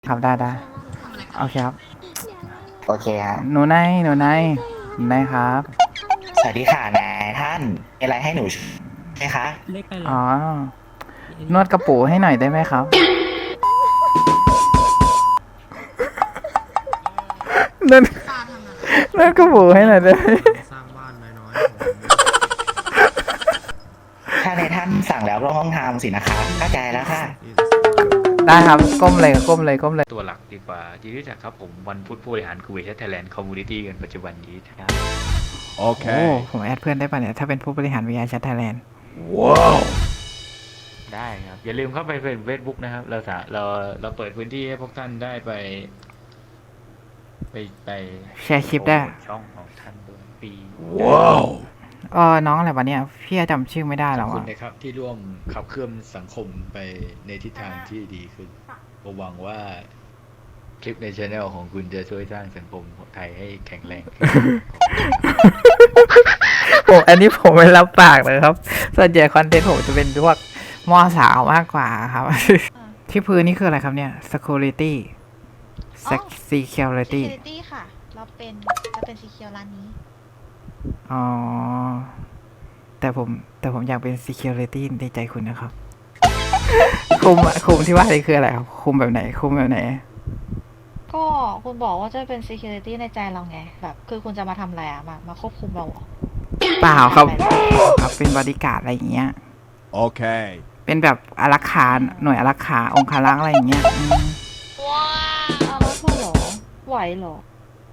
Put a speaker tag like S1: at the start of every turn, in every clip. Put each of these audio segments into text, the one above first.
S1: ครับได้โอเคครับ
S2: โอเคฮะ
S1: หนูนายครับ
S2: สวัสดีค่ะนายท่านมีอะไรให้หนูช่วยไหมคะ
S3: เลขไปเล
S1: อ๋
S3: ย
S1: อนวดกระปูให้หน่อยได้ไหมครับนวดนวดกระปูให้หน่อยได้ไหม
S3: สร้างบ้านน้อย
S2: ถ้านายท่านสั่งแล้วก็ต้องทำสินะคะเข้าใจแล้วค่ะ
S1: ได้ครับก้มเลย
S4: ตัวหลักดีกว่ายินดีจักครับผมวันพุธผู้บริหารคูเวทไทยแลนด์คอมมูนิตี้กันปัจจุบันนี้นะครับ
S1: โอ้ผมแอดเพื่อนได้ป่ะเนี่ยถ้าเป็นผู้บริหารวิทยาชัดไทยแลนด์
S4: ได้ครับ อย่าลืมเข้าไปเฟซบุ๊กนะครับเราเปิดพื้นที่ให้พวกท่านได้ไป
S1: แชร์คลิปได้
S4: โปรโมทช่องของท่านด้วยปี
S1: น้องอะไรวะเนี่ยพี่จำชื่อไม่ได้แล้ว
S4: ขอบคุ
S1: อ่ะ
S4: ณนะครับที่ร่วมขับเคลื่อนสังคมไปในทิศทางที่ดีขึ้นผมหวังว่าคลิปในช anel ของคุณจะช่วยสร้างสังคมไทยให้แข็งแรงขึ้น
S1: อันนี้ผมไม่รับปากเลยครับส่วนใหญ่คอนเทนต์ผมจะเป็นพวกมอสาวมากกว่าครับ ที่พื้นนี่คืออะไรครับเนี่ย security
S5: อ๋อ
S1: security
S5: security ค่ะ เราเป็นจะเป็นสีเขียวร้านนี้
S1: อ๋อแต่ผมอยากเป็น security ในใจคุณนะครับ คุมที่ว่านี่คืออะไรครับคุมแบบไหน
S5: ก็คุณบอกว่าจะเป็น security ในใจเราไง แบบคือคุณจะมาทำอะไรอะมาควบคุมเราเหรอ
S1: เปล่าครับครับเป็นบริการอะไรอย่างเงี้ย
S6: โอเค
S1: เป็นแบบอารักขาหน่วยอารักขาองคารักษ์อะไรอย่างเงี้ย
S5: เอาแล้วเธอเหรอ ไหวเหรอ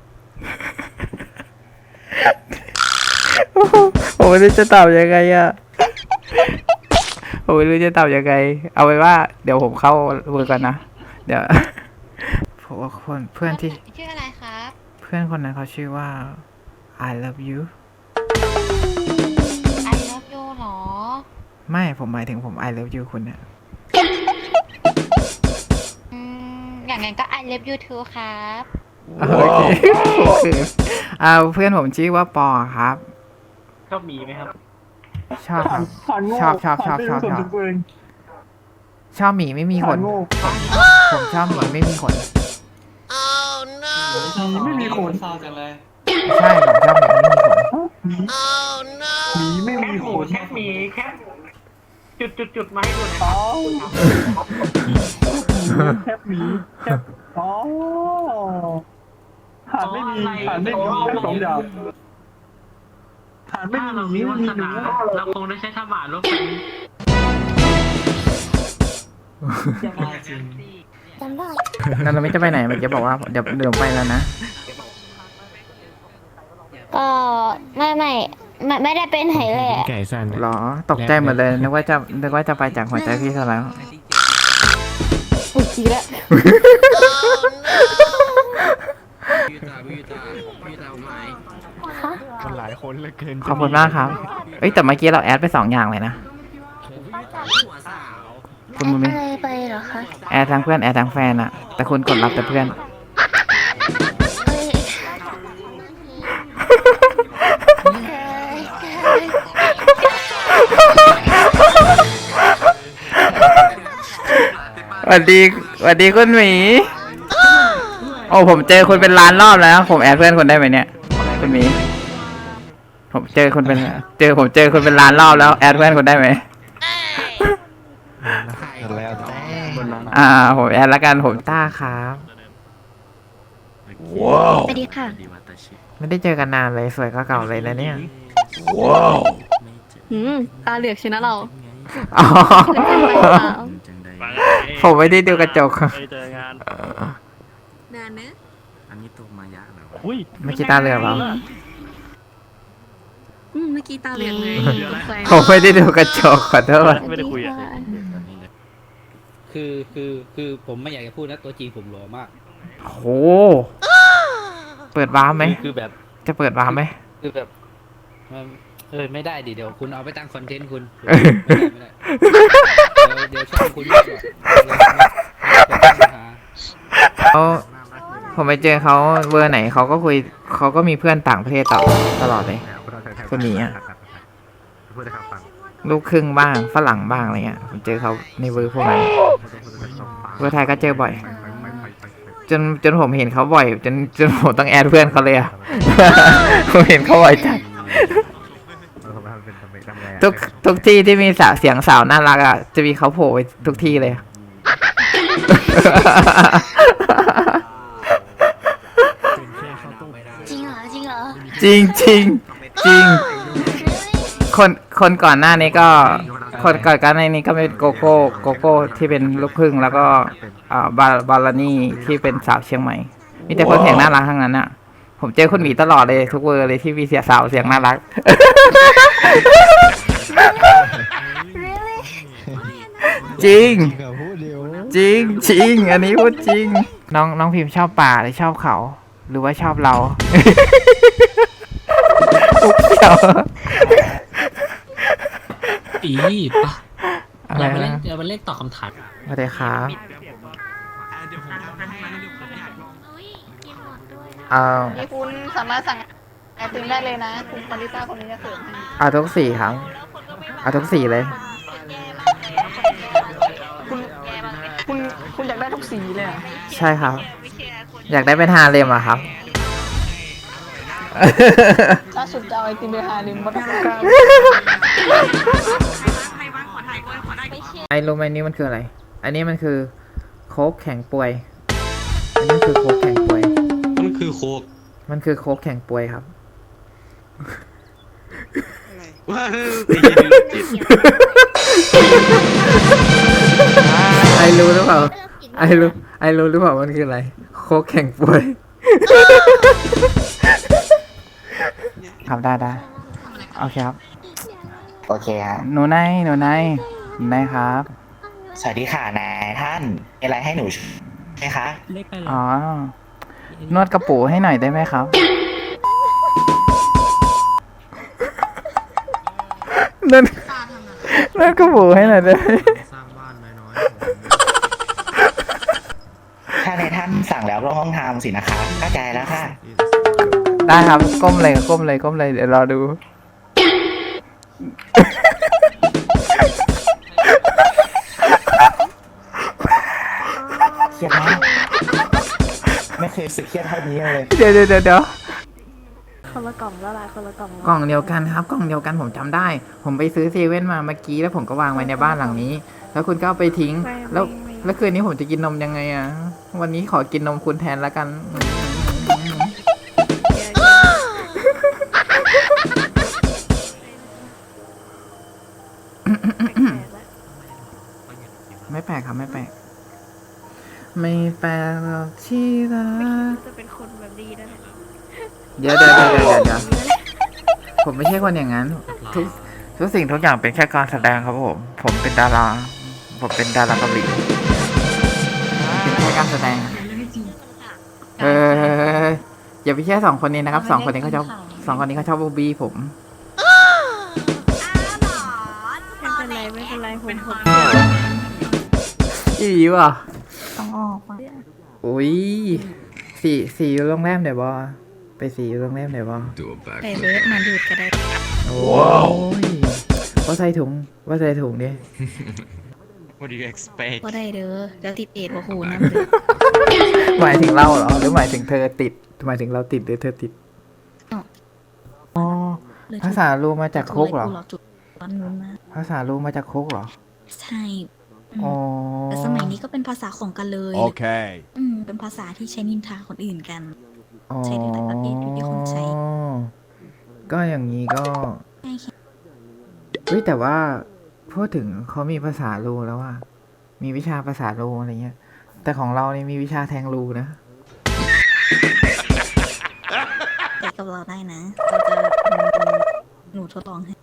S1: ผมไม่รู้จะตอบยังไงอะผมไม่รู้จะตอบยังไง เอาไว้ว่า เดี๋ยวผมเข้าเวิร์กก่อนนะ เดี๋ยวผมว่าเพื่อนที่
S5: ชื่ออะไรครับ
S1: เพื่อนคนนั้นเขาชื่อว่า I love you
S5: I love you เหรอ
S1: ไม่ผมหมายถึงผม I love you คุณเนี่ย
S5: อย่างงั้นก็ I love you too ครับ
S1: โอเคคือเพื่อนผมชื่อว่าปอครับ
S4: ชอบมีไหมครับ
S1: ชอบครับชอบหมีไม่มีขนผมชอบหมีไม่มีขน
S3: ไม่มีคนเศร้าจังเลย
S1: ใช่ผมชอบหมีไม่มีขน
S3: หมีไม่มีขน
S7: แคปหมีแคปจุดมาให้ดูหน่อย
S3: อ๋อแคบหมีแคบอ๋อหานไม่มีแค่สองอย่างหานไม่
S7: ถ้า
S3: มี
S7: เรา
S3: ห
S7: มี
S3: มี
S7: วา
S3: ไม่มี
S7: ส
S3: หนู
S7: นาเราคงได้ใช้ท่าบาทรถไฟ
S3: จริง
S1: นั่นเราไม่จะไปไหนมันจะบอกว่าเดี๋ยวไปแล้วนะ
S8: ก็ไม่ได้เป็นไหนแหละ
S3: ไก่สั่น
S1: หรอตกใจหมดเลยนึกว่าจะไปจากหัวใจพี่ซะแล้ว
S8: อุ๊ยอีกแล้ว
S3: มันหลายคนเหลือเกิน
S1: ขอบคุณมากครับเอ้ยแต่เมื่อกี้เราแอดไป2 อย่างเลยนะคุณบุญมี
S8: อะไรไปเหรอคะ
S1: แอดทั้งเพื่อนแอดทั้งแฟนอะแต่คุณกดรับแต่เพื่อน
S8: เอ้ย
S1: สวัสดีคุณหมีโอ้ผมเจอคุณเป็นล้านรอบแล้วผมแอดเพื่อนคุณได้ไหมเนี่ยคุณหมีผมเจอคุณเป็นล้านรอบแล้วแอดเพื่อนคุณได้ไหม
S3: แล้ว
S1: ผมแอดแล้วกันผมต้าครับ
S8: สวัสดีค่ะ
S1: ไม่ได้เจอกันนานเลยสวยก็เก่าเลยนะเนี่ย
S8: ตาเหลือกชนะเรา
S1: อ๋อ
S8: เพื่อนกันไปหรือเปล่า
S1: ผมไม่ได้ดูกระจก
S7: เจองาน
S8: นานเนอะ
S3: อันนี้ตัวมายะเหรอ
S7: อุ้ย
S1: ไม่คิดตาเหลือกเหรอ
S8: เมื่อกี้ตาเหลือกเลย
S1: ผมไม่ได้ดูกระจกขอโทษ
S7: ไม่ได้คุยอ่ะ
S9: คือผมไม่อยากจะพูดนะตัวจริงผมหล่อมาก
S1: โหเปิดวาร์ปไหม
S9: คือแบบ
S1: จะเปิดวาร์ปไหม
S9: คือแบบไม่ได้ดิเดี๋ยวคุณเอาไปตั้งคอนเทนต์คุณไม่ได้เดี๋ยวช่องคุณไม่ก่อน
S1: เขาผมไปเจอเขาเบอร์ไหนเขาก็คุยเขาก็มีเพื่อนต่างประเทศตลอดเลยคนนี้อ่ะลูกครึ่งบ้างฝรั่งบ้างอะไรเงี้ยผมเจอเขาในเบอร์พวกนั้นเบอร์ไทยก็เจอบ่อยจนผมเห็นเขาบ่อยจนผมต้องแอดเพื่อนเขาเลยอะ ผมเห็นเขาบ่อยจัดทุกที่ที่มีเสียงสาวน่ารักอะจะมีเขาโผล่ไปทุกที่เลย
S8: จริงเหรอ จริงเหรอ
S1: จริงจริงจริงคนก่อนหน้านี้ก็ก่อนหน้านี้ก็เป็นโกโก้ที่เป็นลูกครึ่งแล้วก็บาลานี่ที่เป็นสาวเชียงใหม่มีแต่คนเสียงน่ารักทั้งนั้นอะผมเจอคุณหมีตลอดเลยทุกเวอร์เลยที่มีสาวเสียงน่ารัก จริงจริงจริงอันนี้พูดจริงน้องพิมพ์ชอบป่าหรือชอบเขา หรือว่าชอบเรา อุ๊บเขียว
S6: อีปะ
S1: อะไร
S6: เราไปเล่น
S1: นะ
S6: เราไปเล่นตอบคำถาม
S1: สวัสดีครับ
S5: นี่คุณสามารถสั่งไอติมได้เลยนะ คุณมาริต้าคนนี้จะเสิร์ฟให้
S1: เอาทุกสีครับเอาทุกสีเลย
S5: คุณอยากได้ทุกสีเลยเหรอ
S1: ใช่ครับ อยากได้เป็นฮาเลมอะครับ
S5: ล่าสุดจะเอาไอติมไปหาลิมบัตรกลาง
S1: ไอรู้ไหมนี่มันคืออะไร อันนี้มันคือโค้กแข็งป่วย อันนี้คือโค้กแข็งป่วย
S6: มันคือโคก
S1: มันคือโค้กแข็งป่วยครับ
S6: ว้า
S1: ไอรู้หรือเปล่า ไอรู้หรือเปล่ามันคืออะไร โค้กแข็งป่วย ครับได้โอเคครับ
S2: โอเคฮะ
S1: หนูนายครับ
S2: สวัสดีค่ะนายท่านมีอะไรให้หนูช่วยไหมคะ
S6: เล็กไปเหรอ
S1: อ๋อ นวดกระปูให้หน่อยได้ไหมครับ นวดกระปูให้หน่อยได้ไหม
S6: สร้างบ้านน้อย
S2: ถ้านายท่านสั่งแล้วก็ต้องทำสินะคะเข้าใจแล้วค่ะ
S1: ได้ครับ ก้มเลย เดี๋ยวรอดู
S2: เครียดมากไม่เคยรู้สึกเครียดเท่านี้เลย
S1: เดี๋ยว
S5: คนละกล่องละลายคนละกล่อง
S1: กล่องเดียวกันครับ กล่องเดียวกันผมจำได้ ผมไปซื้อเซเว่นมาเมื่อกี้แล้วผมก็วางไว้ในบ้านหลังนี้ แล้วคุณก็เอาไปทิ้ง แล้วคืนนี้ผมจะกินนมยังไงอ่ะ วันนี้ขอกินนมคุณแทนละกัน ไม่แปลกครับไม่แปลก ไม่แปลกหรอกที่รัก
S8: จะเป็นคนแบบดีนะ
S1: เดี๋ยวผมไม่ใช่คนอย่างนั้น ทุกสิ่งทุกอย่างเป็นแค่การแสดงครับผมเป็นดาราเกาหลีเป็นแค่การแสดงอย่าไปเชื่อสองคนนี้นะครับสองคนนี้เขาชอบบูบี้ผม
S8: ไม่เป็นไรผม
S1: อีว่ะ
S8: ต้องออกมา
S1: อุ้ยสีอยู่โรงแรมไหนบ่ไปสีอยู่โรงแรมไหนบ่
S8: ไปเบิร์ดมาดูดก็ได้
S1: โอ้ยว่าใส่ถุงดิ
S6: What do you expect
S8: ก็ได้เด้อแล้วติดเอดว่าหูนะ
S1: หมายถึงเราเหรอหรือหมายถึงเธอติดหมายถึงเราติดหรือเธอติดอ๋อภาษาลูมาจากคุกเหรอ
S8: จุดวันนู้นนะ
S1: ภาษาลูมาจากคุกเหรอ
S8: ใช่
S1: อ๋อ
S8: แต่สมัยนี้ก็เป็นภาษาของกันเลย
S10: Okay.
S8: เป็นภาษาที่ใช้นินทาคนอื่นกัน
S1: อ๋อ
S8: ใช่ในแต่ประเทศที่คนใช้
S1: ก็อย่างนี้ก็
S8: ใช่ค่ะ
S1: เฮ้ยแต่ว่าพูดถึงเขามีภาษาลูแล้วอะมีวิชาภาษาลูอะไรเงี้ย แต่ของเรานี่มีวิชาแทงลูนะ
S8: ไปกับเราได้นะ เราจะเป็นหนูทดลองให้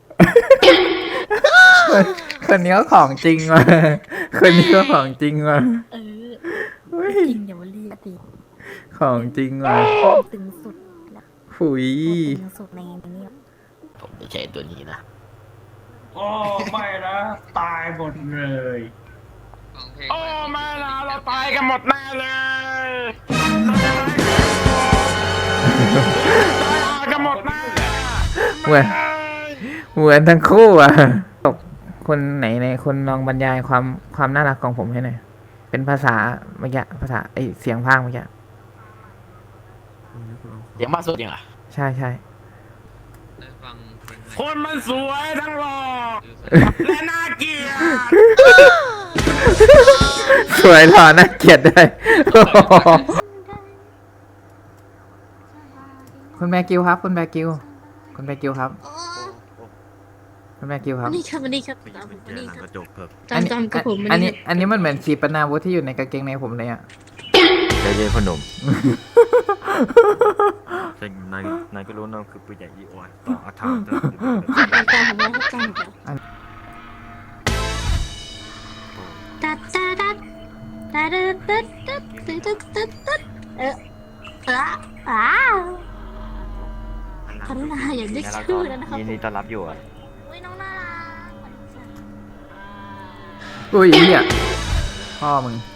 S1: คนนี้ก็ของจริงว่ะคนนี้ก็ของจริงว่ะ
S8: เออ
S1: เฮ้ย
S8: จริงอย่ามาเรียกติ
S1: ของจริงว่ะ
S8: ตึงสุดแล้ว
S1: หุย
S8: ตึงสุดในนี้
S6: ผมไม่ใช่ตัวนี้นะ
S3: โอ้ไม่นะตายหมดเลยโอ้ไม่นะเราตายกันหมดแน่เลยตายกันหมดแน่
S1: เหมือนทั้งคู่อ่ะตกคนไหนคนลองบรรยายความน่ารักของผมให้หน่อยเป็นภาษาเมื่อกี้ภาษาไอเสียงพากย์เมื่อกี้
S6: เสียงมากสุดยังอ่ะ
S1: ใช่ใช่
S3: คนมันสวยทั้งหล่อและน่าเกลียด
S1: สวยหล่อน่าเกลียดด้วย คุณแบกิวครับ คุณแบกิว คุณแบกิวครับ คุณแบกิวครับ
S8: นี่ครับนี่ครับนี่ครับจำกับผม
S1: อันนี้มันเหมือนขีปนาวุธที่อยู่ในกางเกงในผมเลยอ่ะ
S6: ใจเย็นพนมแต่นายก็รู้นะคือปืนใหญ่อีออนต่ออาถรรพ์
S8: จำผมแล้วจำผมแล้วตัดตัดตัดตัดตัดตัดตัดตัดตัดคารุณาอย่าได้ชื่อนะครับ
S6: ยินดีต้อนรับอยู่อ่ะ
S8: อุ้ยน้องน่ารัก
S1: อุ้ยเหี้ยพ่อมึง